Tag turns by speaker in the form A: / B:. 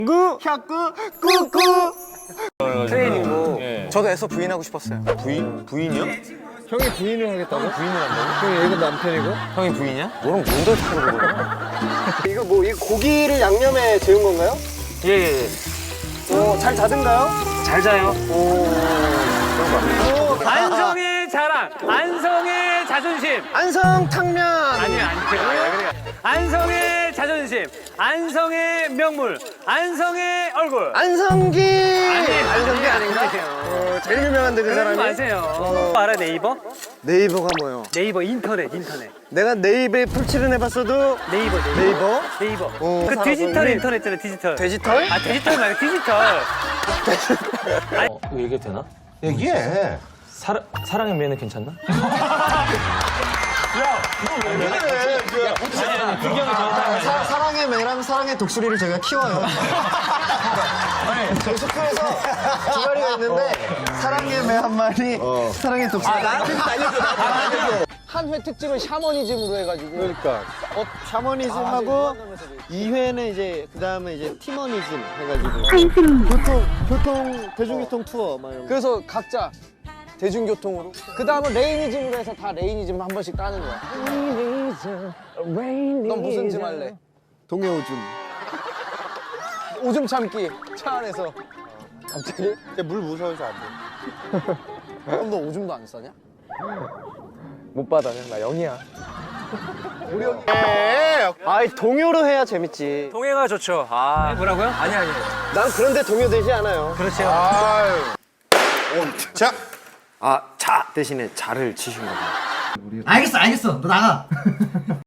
A: 샤꾸 꾸꾸.
B: 트레이닝도.
A: 저도 애써 부인하고 싶었어요.
C: 부인이요?
D: 형이 부인을 하겠다고?
C: 형이 부인을 한다고?
D: 형이 얘가 남편이고?
C: 형이 부인이야?
A: 너랑 뭔데 다르고 그래?
B: 이거 뭐, 이 고기를 양념에 재운 건가요?
C: 예예예.
B: 오, 잘 자든가요?
C: 잘 자요.
E: 안성의 자랑, 안성의 자존심.
B: 안성 탕면.
E: 아니요. 안성의 자존심, 안성의 명물, 안성의 얼굴.
B: 안성기.
E: 안성기 아닌가?
B: 제일 유명한데 그
E: 그러지
B: 사람이.
E: 마세요. 알아 네이버?
B: 네이버가 뭐요?
E: 네이버 인터넷.
B: 내가 네이버에 풀칠은 해봤어도
E: 네이버. 그 디지털 인터넷 있잖아, 디지털.
B: 디지털?
E: 아, 디지털 말고 디지털.
C: 이거 얘기해도 되나?
F: 얘기해.
C: 사랑의 매는 괜찮나?
A: 사랑의 매랑 사랑의 독수리를 저희가 키워요. 저희 숙소에서 두 마리가 있는데 사랑의 매 한 마리, 사랑의 독수리.
B: 한 회 특집은 샤머니즘으로 해가지고.
A: 그러니까 샤머니즘하고 2회는 이제 그 다음에 이제 티머니즘 해가지고 대중교통 투어 막 이런 거.
B: 그래서 각자 대중교통으로. 그 다음은 레이니즘으로 해서 다 레이니즘 한 번씩 따는 거야. 넌 무슨 즘 할래?
A: 동해오줌.
B: 오줌 참기. 차 안에서. 갑자기?
A: 물 무서워서 안 돼.
B: 그럼 너 오줌도 안 싸냐?
D: 못 받아, 나 0이야.
B: 아이, 동요로 해야 재밌지.
E: 동해가 좋죠. 아, 뭐라고요? 아니.
B: 난 그런데 동요 되지 않아요.
E: 그렇죠.
F: 자,
B: 아, 자 대신에 자를 치신 거구나.
A: 알겠어, 너 나가.